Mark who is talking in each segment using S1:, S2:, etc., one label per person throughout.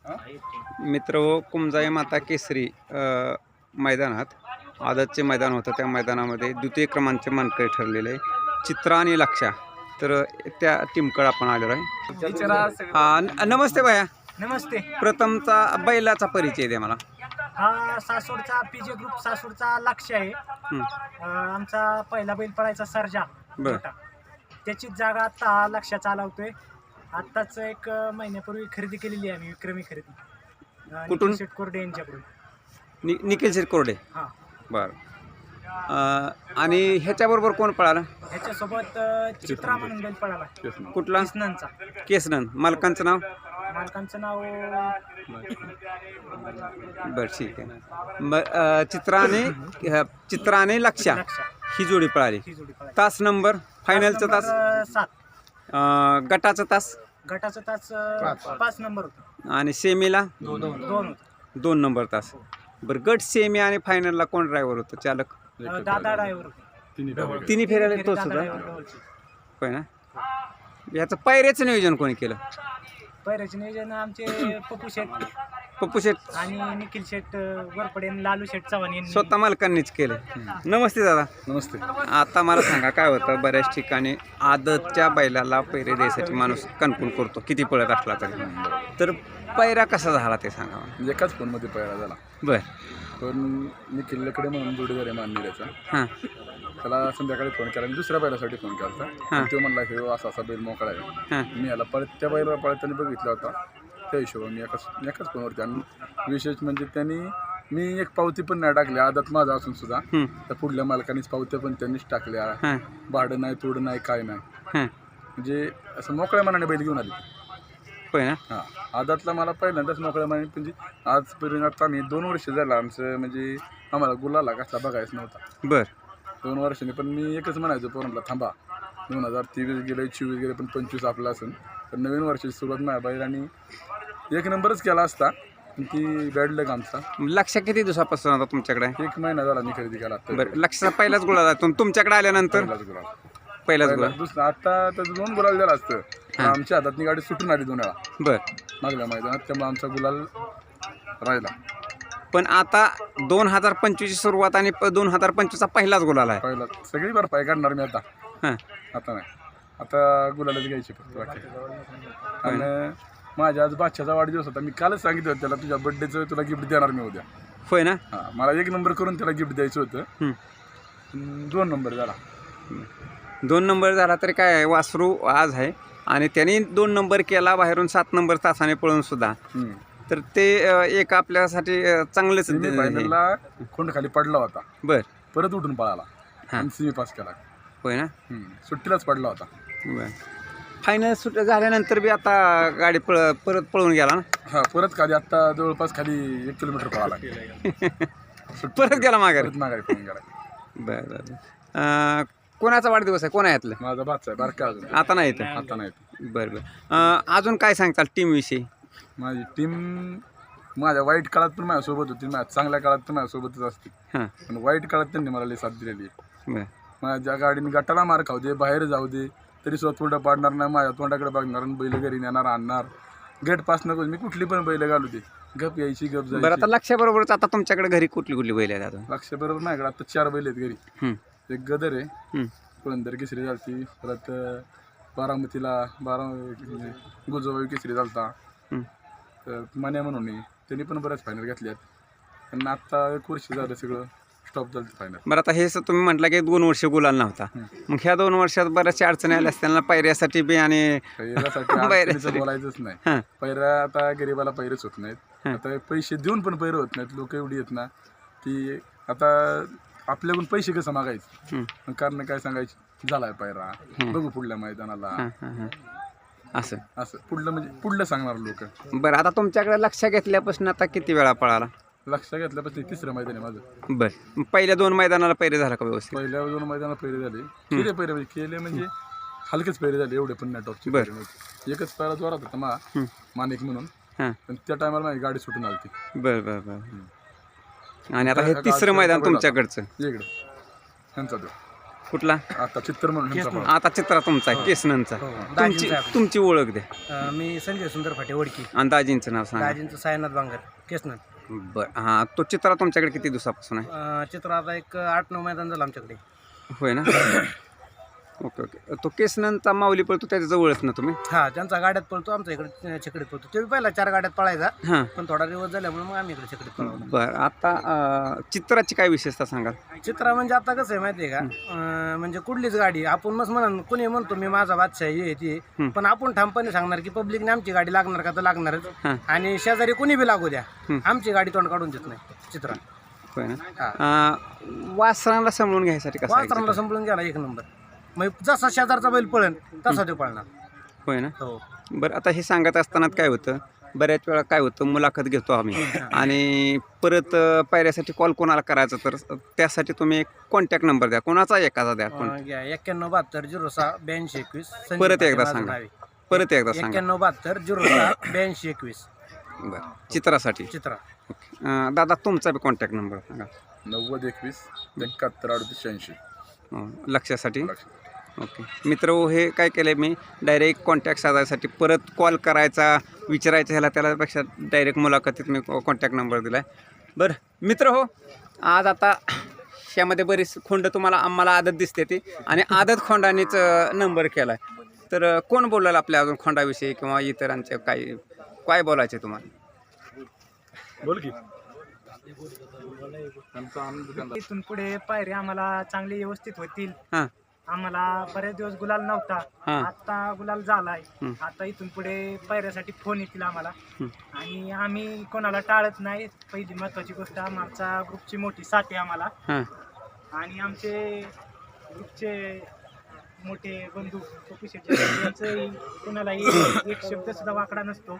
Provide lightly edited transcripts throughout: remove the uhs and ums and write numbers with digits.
S1: मित्र कुमजाई माता केसरी मैदानात आदतचे मैदान होतं. त्या मैदानामध्ये द्वितीय क्रमांकाचे मानकरी ठरलेले चित्रा आणि लक्षा, तर त्या टीमकडे आपण आलेलो आहे. नमस्ते भैया.
S2: नमस्ते.
S1: प्रथमचा बैलाचा परिचय द्या मला.
S2: हा सासवडचा पीजे ग्रुप सासवडचा लक्ष आहे. आमचा पहिला बैल पळायचा सर्जा. त्याची जागा आता लक्ष चालवतोय. आत्ताच एक महिन्यापूर्वी खरेदी केलेली आहे आम्ही, विक्रमी खरेदी.
S1: कुठून?
S2: शेट कोरडे यांच्याकडून.
S1: निखिल शेट कोरडे.
S2: हां
S1: बरं. आणि ह्याच्याबरोबर कोण पळाला?
S2: ह्याच्यासोबत चित्रा म्हणून बैल पळाला.
S1: कुठला?
S2: केसननचा.
S1: केसनन. मालकांचं नाव?
S2: मालकांचं नाव
S1: बरं, ठीक आहे. चित्रा आणि लक्षा ही जोडी पळाली. तास नंबर फायनलचा तास
S2: 7.
S1: गटाचा तास?
S2: गटाचा तास 5 नंबर होता.
S1: आणि सेमीला 2 नंबर तास. बरं, गट सेमी आणि फायनलला कोण ड्रायव्हर होतं? चालक?
S2: दादा ड्रायव्हर.
S1: तिन्ही फेऱ्याला तोच होता. होय ना. याचं पायऱ्याचं नियोजन कोणी केलं?
S2: पैराचे नियोजन आमचे
S1: पप्पू शेठ
S2: आणि निखिल शेठ वरपडे आणि लालू शेठ चव्हाण यांनी
S1: स्वतः मालकांनीच केलं. नमस्ते दादा.
S3: नमस्ते.
S1: आता मला सांगा, काय होतं बऱ्याच ठिकाणी आदतच्या बैलाला पैरे द्यायसाठी माणूस कन्फर्म करतो किती पळत असला तरी, तर पैरा कसा झाला ते सांगा.
S3: एकाच फोनमध्ये पैरा झाला.
S1: बर.
S3: पण मी किल्ल्याकडे म्हणून जोडीदार आहे माननीयचा.
S1: हां.
S3: त्याला संध्याकाळी फोन केला, मी दुसऱ्या बैलासाठी फोन केला होता. तो म्हणला हे असा बैल मोकळा आहे.
S1: हां.
S3: मी याला त्या बैलाला पळताना बघितला होता. त्या हिशोबाने मी एकाच फोनवरती. आणि विशेष म्हणजे त्यांनी मी एक पावती पण नाही टाकली आदत माझा असून सुद्धा. त्या पुढल्या मालकानेच पावत्या पण त्यांनीच टाकल्या. भाडं नाही, तोडं नाही, काय नाही. म्हणजे असं मोकळ्या मनाने बैल घेऊन आली.
S1: होय ना.
S3: हां, आदातला मला पहिल्यांदाच मोकळ्या मनाने, म्हणजे आजपर्यंत आता आम्ही 2 वर्ष झालं आमचं, म्हणजे आम्हाला गुलाला कसला बघायच नव्हता.
S1: बर.
S3: 2 वर्षांनी. पण मी एकच म्हणायचो पोरांना, थांबा 2023 गेले, 24 गेले, पण 25 आपला असेल तर नवीन वर्षाची सुरुवात माझ्या बैलांनी 1 नंबरच केला असता. ती बॅड लक आमचा.
S1: लक्ष किती दिवसापासून आता तुमच्याकडे?
S3: 1 महिना झाला मी खरेदी केला.
S1: बरं, लक्षाचा पहिलाच गुलाल तुमच्याकडे आल्यानंतर? पहिलाच गुलाल.
S3: दुसरा आता त्याचं 2 गुलाल झाला असतं. आमच्या हातातनी गाडी सुटून आली 2 वेळा.
S1: बर.
S3: मागल्या मैदानात, त्यामुळे आमचा गुलाल राहिला.
S1: पण आता 2025ची सुरुवात आणि 2025चा पहिलाच गुलाल आहे.
S3: पहिला सगळी भरपाई काढणार मी आता.
S1: हां.
S3: आता नाही, आता गुलालच घ्यायची फक्त बाकी. आणि माझ्या आज बादशाचा वाढदिवस होता. मी कालच सांगितलं होतं त्याला, तुझ्या बड्डेचं तुला गिफ्ट देणार मी उद्या.
S1: होय ना.
S3: हां, मला 1 नंबर करून त्याला गिफ्ट द्यायचं होतं. 2 नंबर झाला.
S1: 2 नंबर झाला तरी काय, वासरू आज आहे आणि त्यांनी 2 नंबर केला बाहेरून 7 नंबर तासाने पळून सुद्धा. तर ते एक आपल्यासाठी चांगलेच.
S3: फायनलला खोंड खाली पडला होता.
S1: बर.
S3: परत उठून पळाला आणि सेमी पास केला.
S1: होय ना.
S3: सुट्टीलाच पडला होता.
S1: बर. फायनल सुट झाल्यानंतर बी आता गाडी परत पळून गेला ना.
S3: हां, परत खाली आता जवळपास खाली 1 किलोमीटर पळाला.
S1: परत गेला माघारी.
S3: माघारी पळून गेला.
S1: बरं. कोणाचा वाढदिवस आहे? कोण आहे यातलं?
S3: माझा भाचा आहे बारका अजून.
S1: आता नाही येतं.
S3: आता नाही.
S1: बरं बरं. अजून काय सांगताल टीमविषयी?
S3: माझी टीम माझ्या वाईट काळात पण माझ्यासोबत होती, माझ्या चांगल्या काळात पण माझ्यासोबतच असते.
S1: हां.
S3: पण वाईट काळात त्यांनी मला लई साथ दिलेली आहे.
S1: बरं.
S3: माझ्या गाडीने गटाला मार खाऊ दे, बाहेर जाऊ दे, तरी सुद्धा तोंड पाडणार नाही, माझ्या तोंडाकडे बघणार आणि बैल घरी नेणार, आणणार. गेट पास नको, मी कुठली पण बैल घालू दे, गप यायची गप जायची.
S1: बरं, आता लक्षाबरोबरच आता तुमच्याकडे घरी कुठली बैल आहेत आता?
S3: लक्ष बरोबर माझ्याकडे आता 4 बैल आहेत घरी. एक गदर आहे, पुरंदर केसरी झालती, परत बारामतीला गुजोबाई केसरी झालता. तर मान्या म्हणून त्यांनी पण बऱ्याच फायनल घेतल्यात. पण आता 1 वर्ष झालं सगळं स्टॉप झालं फायनल.
S1: बरं, आता हे तुम्ही म्हटलं की 2 वर्ष गुलाल नव्हता. मग ह्या 2 वर्षात बऱ्याचशा अडचणी आल्या असत्या पायऱ्यासाठी बी आणि
S3: पैऱ्यासाठी बोलायचंच नाही. पैरा आता गरीबाला पैरच होत नाहीत. आता पैसे देऊन पण पैर होत नाहीत. लोक एवढी आहेत ना की आता आपल्याकडून पैसे कसं मागायचं, कारण काय सांगायचं, झालाय पैरा, बघू पुढल्या मैदानाला,
S1: असं
S3: असं पुढलं म्हणजे पुढलं सांगणार लोक.
S1: बरं, आता तुमच्याकडे लक्ष घेतल्यापासून आता किती वेळा पळाला?
S3: लक्ष घेतल्यापासून 3रं मैदान आहे माझं.
S1: बरं. पहिल्या 2 मैदानाला पैरे झाला का व्यवस्थित?
S3: पहिल्या 2 मैदानाला पैरे झाले. केले म्हणजे हलकेच पैरे झाले, एवढे पण नाही टॉपचे. एकच पैरा जोरात होता माणिक म्हणून, पण त्या टायमाला माझी गाडी सुटून आली.
S1: बरं बरं बरं. आणि आता हे 3रं मैदान तुमच्याकडचं
S3: इकडं ह्यांचा तो
S1: कुठला
S3: आता चित्र म्हणून ह्यांचा पळाला.
S1: आता चित्रा तुमचा आहे केसनंचा तुमची ओळख द्या
S2: मी संजय सुंदर फाटे ओळखी
S1: आणि दाजींचं नाव सांगा
S2: दाजींचं सायनाथ बांगर केसनर.
S1: बरं हां तो चित्रा तुमच्याकडे किती दिवसापासून आहे
S2: चित्र आता एक 8-9 मैदान झालं आमच्याकडे.
S1: होय ना ओके ओके तो केसनंचा माऊली पळतो त्याच्या जवळच ना तुम्ही
S2: हा त्यांचा गाड्यात पळतो आमच्या इकडे छकडीत पळतो. ते पहिला 4 गाड्यात पळायचा
S1: हां
S2: पण थोडा रिवर्स झाल्यामुळे मग आम्ही इकडे छकडीत पळवला.
S1: बरं आता चित्राची काय विशेषता सांगाल
S2: चित्रा म्हणजे आता कसं आहे माहिती आहे का म्हणजे कुठलीच गाडी आपण मस्त म्हणा कोणी म्हणतो मी माझा बादशाह हे ते पण आपण ठामपणे सांगणार की पब्लिकने आमची गाडी लागणार का तर लागणारच
S1: हां
S2: आणि शेजारी कोणी बी लागू द्या आमची गाडी तोंड काढून देत नाही चित्रा.
S1: होय ना वासरांना समजून घ्यायसाठी कसं आहे
S2: वासरांना संपळून गेला एक नंबर. मग जसा शेजारचा बैल पळेल तसा तो पळणार.
S1: होय ना
S2: हो
S1: बरं आता हे सांगत असताना काय होतं बऱ्याच वेळा काय होतं मुलाखत घेतो आम्ही आणि परत पायऱ्यासाठी कॉल कोणाला करायचं तर त्यासाठी तुम्ही एक कॉन्टॅक्ट नंबर द्या कोणाचा एखादा द्या
S2: 9172068221.
S1: परत एकदा सांगा परत एकदा सांगा
S2: 9172068221
S1: बरं चित्रासाठी
S2: चित्रा.
S1: दादा तुमचा बी कॉन्टॅक्ट नंबर सांगा
S3: 9021 71 38 86.
S1: लक्षासाठी ओके मित्र हे काय केलं मी डायरेक्ट कॉन्टॅक्ट साधायसाठी परत कॉल करायचा विचारायचा ह्याला त्यापेक्षा डायरेक्ट मुलाखतीत मी कॉन्टॅक्ट नंबर दिला आहे. बरं मित्र हो आज आता ह्यामध्ये बरीच खोंड तुम्हाला आम्हाला आदत दिसते ती आणि आदत खोंडानेच नंबर केला आहे तर कोण बोलाल आपल्या अजून खोंडाविषयी किंवा इतरांचे काय बोलायचे तुम्हाला
S3: बोल की त्यांचा आनंद त्यांना.
S2: इथून पुढे पायरे आम्हाला चांगले व्यवस्थित होतील.
S1: हां
S2: आम्हाला बरेच दिवस गुलाल नव्हता
S1: हां.
S2: आता गुलाल झालाय. आता इथून पुढे पायऱ्यासाठी फोन येतील आम्हाला आणि आम्ही कोणाला टाळत नाही. पहिली महत्वाची गोष्ट आमचा ग्रुपची मोठी साथ आहे आम्हाला
S1: हां
S2: आणि आमचे ग्रुपचे मोठे बंधू पप्पू शेट यांचंही कोणालाही एक शब्द सुद्धा वाकडा नसतो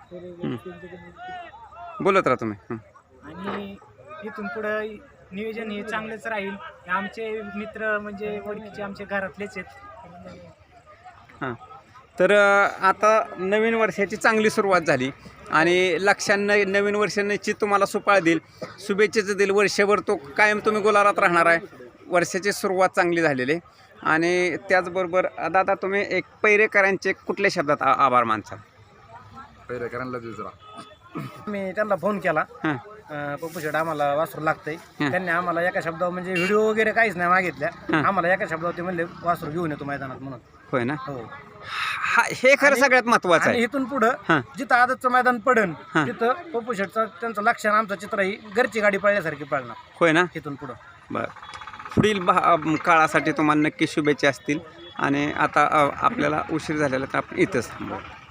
S1: बोलत राहा तुम्ही
S2: आणि इथून पुढं नियोजन हे चांगलंच राहील. आमचे मित्र म्हणजे ओळखीचे आमचे घरातलेच आहेत.
S1: हां तर आता नवीन वर्षाची चांगली सुरुवात झाली आणि लक्षांना नवीन वर्ष निश्चित तुम्हाला सुपाळ देईल शुभेच्छेचं देईल वर्षभर तो कायम तुम्ही गुलालात राहणार आहे. वर्षाची सुरुवात चांगली झालेली आहे आणि त्याचबरोबर दादा तुम्ही एक पैरेकरांचे कुठल्या शब्दात आभार मानसाल
S3: पैरेकरांना विचारा.
S2: मी त्यांना फोन केला
S1: हां
S2: पप्पू शेट आम्हाला वासरू लागतंय. त्यांनी आम्हाला एका शब्दावर म्हणजे व्हिडिओ वगैरे काहीच नाही मागितल्या. आम्हाला एका शब्दावर ते म्हणले वासरू घेऊन येतो मैदानात म्हणून.
S1: होय ना
S2: हो
S1: हा हे खरं सगळ्यात महत्त्वाचं
S2: आणि
S1: आहे.
S2: इथून पुढं जिथं आदतचं मैदान पडन तिथं पप्पू शेटचा त्यांचं लक्ष आणि आमचं चित्र ही घरची गाडी पळल्यासारखी पळणार
S1: होय ना
S2: इथून पुढं.
S1: बरं पुढील काळासाठी तुम्हाला नक्की शुभेच्छा असतील आणि आता आपल्याला उशीर झालेला तर आपण इथंच थांबू.